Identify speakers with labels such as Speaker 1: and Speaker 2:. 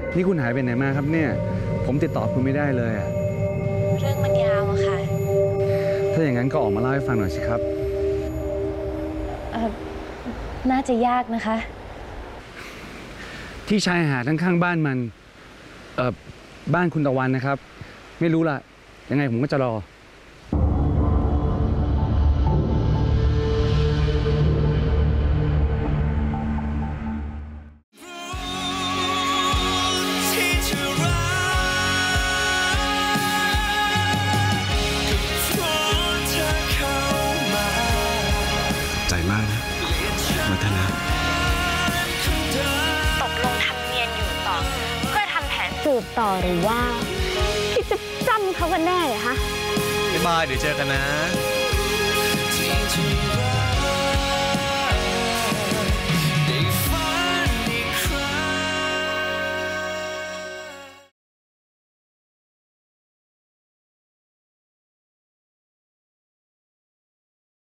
Speaker 1: นี่คุณหายไปไหนมาครับเนี่ยผมติดต่อคุณไม่ได้เลยอะ
Speaker 2: เรื่องมันยาวอะค่ะ
Speaker 1: ถ้าอย่างนั้นก็ออกมาเล่าให้ฟังหน่อยสิครับ
Speaker 2: น่าจะยากนะคะ
Speaker 1: ที่ชายหาดข้างๆบ้านมันบ้านคุณตะวันนะครับไม่รู้ล่ะยังไงผมก็จะรอ
Speaker 3: ใจมากนะวัฒนะ
Speaker 2: ตกลงทำเนียนอยู่ต่อเพื่อทำแผนสืบต่อหรือว่าคิดจะจำเขากันแน่เหรอคะ
Speaker 3: บ๊ายบายเดี๋ยวเจอกันนะ